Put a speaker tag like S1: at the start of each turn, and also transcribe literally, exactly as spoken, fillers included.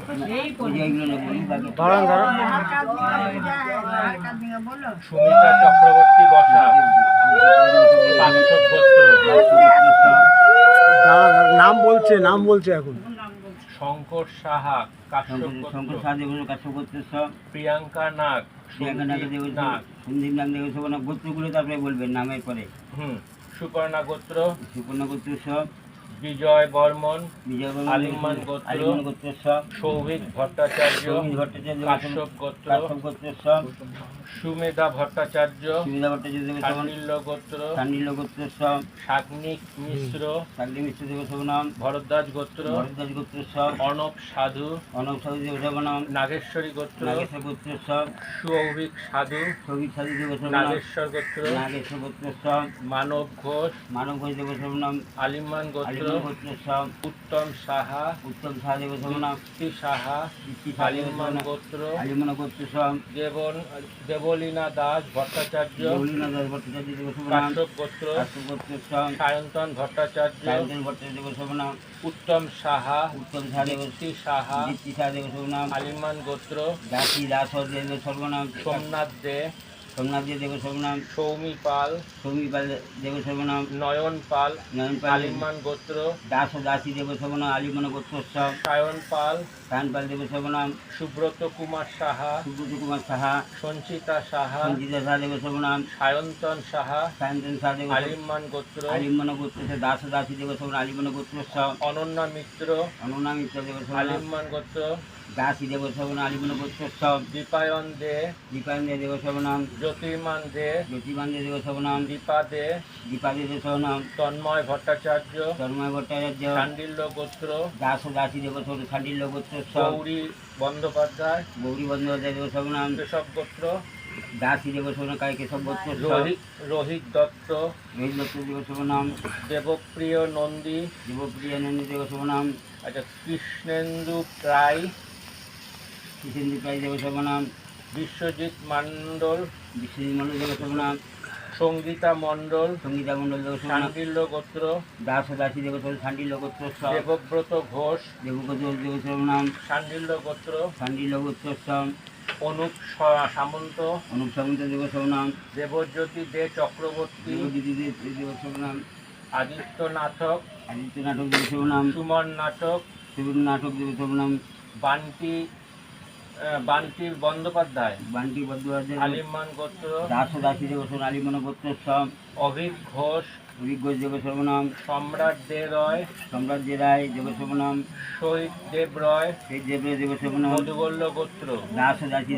S1: ধরুন ধরুন
S2: সুমিতা চক্রবর্তী বসা, কাশ্যপ গোত্র।
S1: দাদা নাম বলছে নাম বলছে এখন।
S2: শঙ্কর সাহা, কাশ্যপ
S3: শঙ্কর
S2: গোত্র।
S3: সাহা দেবস্ব কাশ্যপ গোত্র সব।
S2: প্রিয়াঙ্কা নাগ,
S3: প্রিয়াঙ্কা নাগ
S2: সন্দীপ
S3: দেবস্ব
S2: নাগ।
S3: সন্দীপ নাগ দেবস্ব না গোত্রগুলো তারপরে বলবেন নামের পরে।
S2: হুম সুপর্ণা গোত্র।
S3: সুপর্ণা গোত্র সব।
S2: বিজয় বর্মন,
S3: বিজয়
S2: আলিমান গোত্র।
S3: আলিমান গোত্র সব।
S2: সৌভিক ভট্টাচার্য,
S3: সৌমিত ভট্টাচার্য
S2: কাশ্যপ গোত্র।
S3: কাশ্যপ গোত্র সব।
S2: সুমেধা ভট্টাচার্য,
S3: সুবিধা ভট্টাচার্য দেবস্ব
S2: শাণ্ডিল্য গোত্র।
S3: শাণ্ডিল্য গোত্র সব।
S2: শাগ্নিক মিশ্র,
S3: শাগ্নি মিশ্র দেবস্ব নাম।
S2: ভরদ্বাজ গোত্র।
S3: ভরদ্বাজ গোত্র সব।
S2: অনব সাধু,
S3: অনব সাধু দেবস্ব নাম।
S2: নাগেশ্বরী গোত্র।
S3: নাগেশ্বর গোত্র সব।
S2: সৌভিক সাধু,
S3: সৌভিক সাধু দেবস্ব নাম।
S2: নাগেশ্বর গোত্র।
S3: নাগেশ্বর গোত্র সব।
S2: মানব ঘোষ,
S3: মানব ঘোষ দেবস্ব নাম।
S2: আলিমান গোত্র।
S3: আলিমান গোত্র সব।
S2: উত্তম সাহা,
S3: উত্তম সাহা দেবস্ব নাম।
S2: কীর্তি সাহা,
S3: কীর্তি সাহা দেবস্ব
S2: আলিমান
S3: নাম।
S2: গোত্র।
S3: আলিমান গোত্র সব।
S2: দেবন দেবলীনা দাস ভট্টাচার্য,
S3: গৌরীনা দাস ভট্টাচার্য দেবস্ব নাম।
S2: কাশ্যপ গোত্র।
S3: কাশ্যপ গোত্র সব।
S2: সায়ন্তন ভট্টাচার্য,
S3: সায়ন্তন ভট্টাচার্য দেবস্ব নাম।
S2: উত্তম সাহা,
S3: উত্তম সাহা দেবস্ব
S2: দীপ্তি সাহা,
S3: দীপ্তি সাহা দেবস্ব নাম।
S2: আলিমান গোত্র।
S3: দাসী দাস দেবস্ব নাম।
S2: সোমনাথ দে,
S3: সোমনাথ দেবস্ব নাম।
S2: সৌমি পাল,
S3: সৌমি পাল দেবস্ব নাম।
S2: নয়ন পাল,
S3: নয়ন পাল
S2: আলিমান গোত্র।
S3: দাস ও দাসী দেবস্ব নাম। আলিমান গোত্র সব।
S2: সায়ন পাল,
S3: সায়ন পাল দেবস্ব নাম।
S2: সুব্রত কুমার সাহা,
S3: সুব্রত কুমার সাহা।
S2: সঞ্চিতা সাহা,
S3: সঞ্জিতা সাহা দেবস্ব নাম।
S2: সায়ন্তন সাহা,
S3: সায়ন্তন সাহা দেবস্ব
S2: আলিমান গোত্র।
S3: আলিমান গোত্র দাস ও দাসী দেবস্ব নাম। আলিমান গোত্র সব।
S2: অনন্যা মিত্র,
S3: অনুনাম মিত্র দেবস্ব নাম।
S2: আলিমান গোত্র।
S3: দাসী দেবস্ব নাম। আলিমান গোত্র সব।
S2: দীপায়ন দে,
S3: দীপায়ন দেবস্ব নাম।
S2: জ্যোতির্মান দে,
S3: জ্যোতিমান দেবস্ব নাম।
S2: দীপা দে,
S3: দীপা দেবস্ব নাম।
S2: তন্ময় ভট্টাচার্য,
S3: তন্ময় ভট্টাচার্য।
S2: শাণ্ডিল্য গোত্র।
S3: দাস ও দাসী দেবস্ব নাম। শাণ্ডিল্য গোত্র সব।
S2: গৌরী বন্দ্যোপাধ্যায়,
S3: গৌরী বন্দ্যোপাধ্যায় দেবস্ব নাম।
S2: কেশব গোত্র।
S3: দাসী দেবস্ব নাম। কায় কেশব গোত্র সব।
S2: রোহিত রোহিত দত্ত,
S3: রোহিত দত্ত দেবস্ব নাম।
S2: দেবপ্রিয় নন্দী,
S3: দেবপ্রিয়া নন্দী দেবস্ব নাম।
S2: আচ্ছা কৃষ্ণেন্দু রায়,
S3: কৃষ্ণেন্দু প্রায় দেবস্ব নাম।
S2: বিশ্বজিৎ মণ্ডল,
S3: বিশ্বজিৎ মণ্ডল দেবস্ব নাম।
S2: সঙ্গীতা মণ্ডল,
S3: সঙ্গীতা মণ্ডল দেবস্ব নাম।
S2: শাণ্ডিল্য গোত্র।
S3: দাস ও দাসী দেবস্ব শাণ্ডিল্য গোত্র সব।
S2: দেবব্রত ঘোষ,
S3: দেবগোত্র দেবস্ব নাম।
S2: শাণ্ডিল্য গোত্র।
S3: শাণ্ডিল্য গোত্র সব।
S2: অনুপ স- সামন্ত,
S3: অনুপ সামন্ত দেবস্ব নাম।
S2: দেবজ্যোতি দে চক্রবর্তী,
S3: দেবজ্যোতি দেবস্ব নাম।
S2: আদিত্য নাটক,
S3: আদিত্য নাটক দেবস্ব নাম।
S2: সুমন নাটক,
S3: সুবীর নাটক দেবস্ব নাম।
S2: বান্টি আহ, বান্টি বন্দ্যোপাধ্যায়,
S3: বান্টি বন্দ্যোপাধ্যায়।
S2: আলিমান গোত্র।
S3: দাস ও দাসী দেবস্ব নাম। আলিমান গোত্র সব।
S2: অভিক ঘোষ,
S3: অভিজ্ঞ দেবস্ব নাম।
S2: সম্রাট দে রয়,
S3: সম্রাট দে রায় দেবস্ব নাম।
S2: শহীদ দেব রয়,
S3: সেই দেব দেবস্ব নাম।
S2: মধুবল্ল গোত্র।
S3: দাস ও দাসী